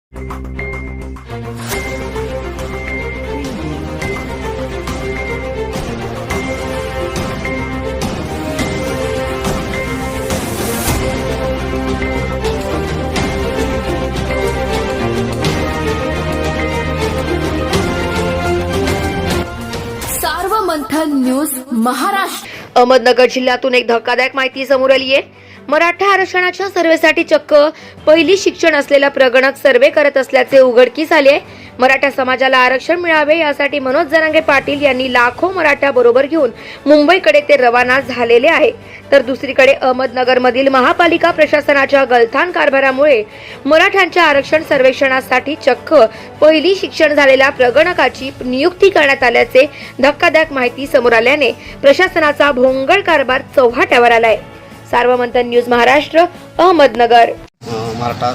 सार्वमंथन news Maharashtra. Ahmednagar जिल्ह्यातून एक धक्कादायक माहिती समोर आली आहे. मराठा आरक्षणाच्या सर्व्हेसाठी चक्क पहिली शिक्षण असलेला प्रगणक सर्व्हे करत असल्याचे उघडकीस आले आहे. मराठा समाजाला आरक्षण मिळावे यासाठी मनोज जरांगे पाटील यांनी लाखो मराठा बरोबर घेऊन मुंबईकडे ते रवाना झालेले आहे. तर दुसरीकडे अहमदनगरमधील महापालिका प्रशासनाच्या गलथान कारभारामुळे मराठ्यांच्या आरक्षण सर्वेक्षणासाठी चक्क पहिली शिक्षण झालेल्या प्रगणकाची नियुक्ती करण्यात आल्याचे धक्कादायक माहिती समोर आल्याने प्रशासनाचा भोंगळ कारभार चव्हाट्यावर आलाय. सार्वमंथन न्यूज महाराष्ट्र, अहमदनगर. मराठा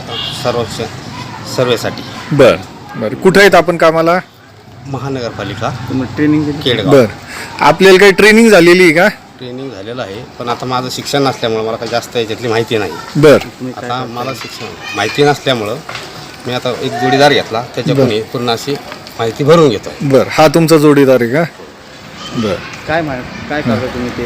सर्वेसाठी. बर बर कुठे आहेत आपण कामाला? महानगरपालिका ट्रेनिंग केडगाव. बर आपल्याला काही ट्रेनिंग झालेली आहे का? ट्रेनिंग झालेलं आहे, पण आता माझं शिक्षण नसल्यामुळं मला काही जास्त याच्यातली माहिती नाही. बर आता मला शिक्षण माहिती नसल्यामुळं मी आता एक जोडीदार घेतला, त्याच्याकडून पूर्ण अशी माहिती भरून घेतो. बर हा तुमचा जोडीदार आहे का? बर काय करता तुम्ही ते?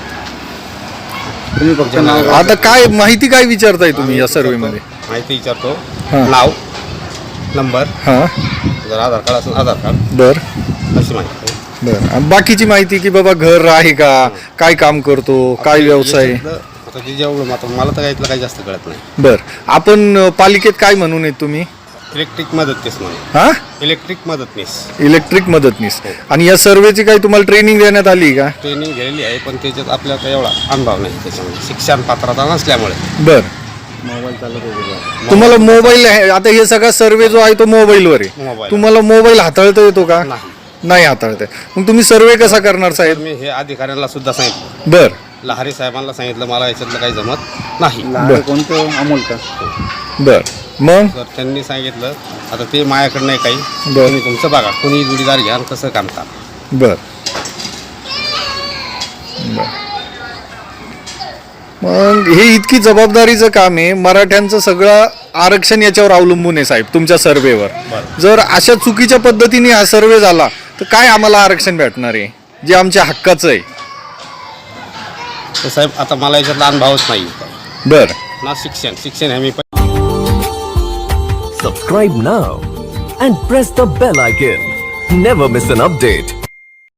तुम्ही फक्त आता काय माहिती काय विचारताय तुम्ही या सर्वे मध्ये? माहिती विचारतो, हां. नाव, नंबर, हा जर आधार कार्ड असेल आधार कार्ड, बर अशी माहिती. बर बाकीची माहिती की बाबा घर आहे का, काय काम करतो, काय व्यवसाय? आता जे जेवढं मला तर यातलं काही जास्त कळत नाही. बर आपण पालिकेत काय म्हणून आहेत तुम्ही? इलेक्ट्रिक मदतनीस म्हणून. हा इलेक्ट्रिक मदतनीस. इलेक्ट्रिक मदतनीस. आणि या सर्वेची काही तुम्हाला ट्रेनिंग देण्यात आली का? ट्रेनिंग घेतलेली आहे, पण त्याच्यात आपल्याला काही एवढा अनुभव नाही त्याच्यामध्ये, शिक्षण पात्रता नसल्यामुळे. बर मोबाईल चालत होते. तुम्हाला मोबाईल आता हे सगळा सर्वे जो आहे तो मोबाईलवर आहे. मोबाईल. तुम्हाला मोबाईल हाताळता येतो का? नाही. नाही हाताळता येत. मग तुम्ही सर्वे कसा करणार तर साहेब? मी हे अधिकाऱ्यांना सुद्धा सांगितलं, बर लहारी साहेबांना सांगितलं, मला याच्यातलं काही जमत नाही. लहान कोणतं अमोल का? बर मग तर त्यांनी सांगितलं आता ते माझ्याकडं नाही काही, बरं. तुम्ही तुमचं बघा, कोणी जोडीदार घ्या आणि कसं काम करा. बर मग हे इतकी जबाबदारीचं काम आहे. मराठ्यांचं सगळं आरक्षण याच्यावर अवलंबून आहे साहेब, तुमच्या सर्वेवर. बरं. जर अशा चुकीच्या पद्धतीने हा सर्वे झाला तर काय आम्हाला आरक्षण भेटणार आहे जे आमच्या हक्काचं आहे? तर साहेब आता मला याच्यातला अनुभवच नाही बर ना. शिक्षण हे मी Subscribe now and press the bell icon. Never miss an update.